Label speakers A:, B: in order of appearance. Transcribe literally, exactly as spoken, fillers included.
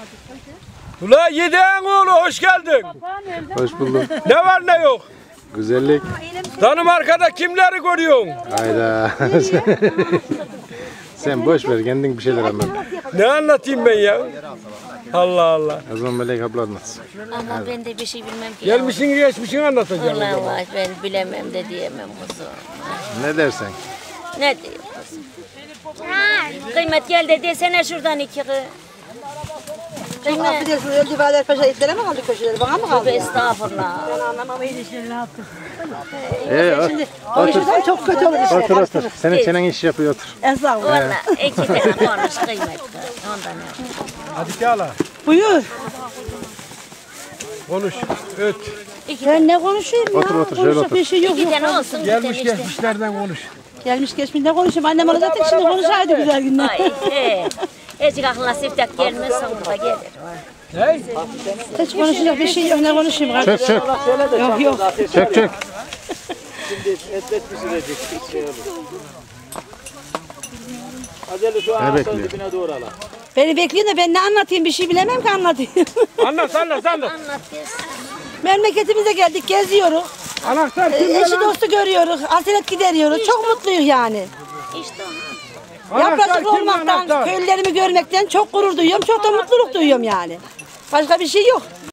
A: Ula Yiğit'in oğlu hoş geldin.
B: Hoş bulduk.
A: Ne var ne yok?
B: Güzellik.
A: Danimarka'da kimleri görüyorsun?
B: Hayda. Sen boş ver, kendin bir şeyler anlat.
A: Ne anlatayım ben ya? Allah Allah.
B: O zaman Melek abla anlatsın.
C: Ama ben de bir şey bilmem ki.
A: Gelmişsin geçmişini anlatacağım.
C: Allah Allah ben bilemem de diyemem kuzum.
B: Ne dersen.
C: Ne diyeyim kuzum? Kıymet gel de desene şuradan iki kız. Kıymet.
D: Affedersin, öldü Valer Paşa itlere mi kaldı köşeleri? Bana mı kaldı?
C: Tövbe estağfurullah.
D: Ben anlamam iyi işleri ne yaptın?
B: Ee, o-
D: Şimdi konuşursan çok kötü olur işler.
B: otur otur. Senin çenen iş yapıyor, otur.
D: Estağfurullah.
C: Valla iki tane konuş kıymet. Ondan ne?
A: Hadi Kala.
D: Buyur.
A: Konuş. Öt.
D: Ben ne konuşayım ya?
B: Otur, otur, şöyle
D: Konuşacak
B: otur.
D: bir şey yok.
C: İki
D: yok.
C: tane olsun.
A: Gelmiş
C: bir tane işte.
A: geçmişlerden konuş.
D: Gelmiş geçmiş ne konuşayım? Annem olacaktı şimdi konuşaydı güzel günler.
C: Ay he. Ecik aklına siftek gelmez sonunda gelir.
A: Ne?
D: Hiç konuşacak bir şey yok. Ne konuşayım?
B: Çök çök.
D: Yok yok.
B: Çök çök. Ne bekliyor?
D: Beni bekleyin de ben ne anlatayım? Bir şey bilemem ki anlatayım.
A: Anlat anlat anlat.
C: Anlat gelsin.
D: Memleketimize geldik, geziyoruz.
A: Anahtar
D: Ee,
A: kimde
D: Eşi
A: lan?
D: dostu görüyoruz, hasret gideriyoruz. Çok mutluyuz yani.
C: İşte o.
A: Anahtar
D: Yapracık
A: kimde,
D: olmaktan,
A: anahtar?
D: köylülerimi görmekten çok gurur duyuyorum. Çok da mutluluk duyuyorum yani. Başka bir şey yok.